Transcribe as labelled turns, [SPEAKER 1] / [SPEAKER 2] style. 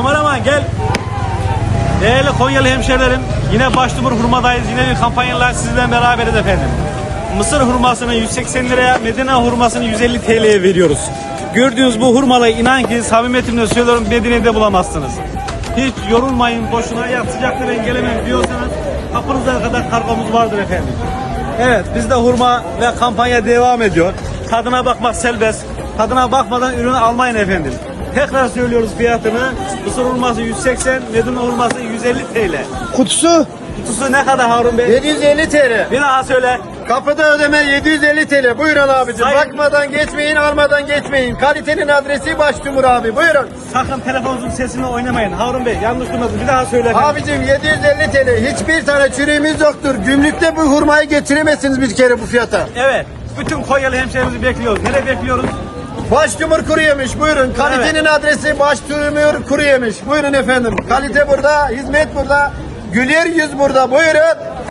[SPEAKER 1] Kameraman gel. Değerli Konyalı hemşehrilerim, yine Başdumur hurmadayız. Yine bir kampanyalar sizinle beraberiz efendim. Mısır hurmasını 180 liraya, Medine hurmasını 150 TL'ye veriyoruz. Gördüğünüz bu hurmalayı inan ki samimiyetimle söylüyorum Medine'de bulamazsınız. Hiç yorulmayın boşuna, ya sıcakta ben gelemem diyorsanız kapınıza kadar kargomuz vardır efendim. Evet, bizde hurma ve kampanya devam ediyor. Tadına bakmak serbest. Tadına bakmadan ürünü almayın efendim. Tekrar söylüyoruz fiyatını. Mısır hurması 180, Medine hurması 150 TL.
[SPEAKER 2] Kutusu
[SPEAKER 1] Kutusu ne kadar Harun Bey?
[SPEAKER 2] 750 TL.
[SPEAKER 1] Bir daha söyle.
[SPEAKER 2] Kapıda ödeme 750 TL. Buyurun abicim.
[SPEAKER 1] Sayın-
[SPEAKER 2] Bakmadan geçmeyin, almadan geçmeyin. Kalitenin adresi Başdumur abi. Buyurun.
[SPEAKER 1] Sakın telefonunuzun sesini oynamayın. Harun Bey yanlış duymadınız. Bir daha söyle efendim.
[SPEAKER 2] Abicim 750 TL. Hiçbir tane çürüğümüz yoktur. Gümrükte bu hurmayı getiremezsiniz bir kere bu fiyata.
[SPEAKER 1] Evet. Bütün Konyalı hemşehrimizi bekliyoruz. Nereye bekliyoruz?
[SPEAKER 2] Başdumur kuru yemiş. Buyurun. Kalitenin adresi Başdumur kuru yemiş. Buyurun efendim. Kalite burada, hizmet burada. Güler yüz burada. Buyurun.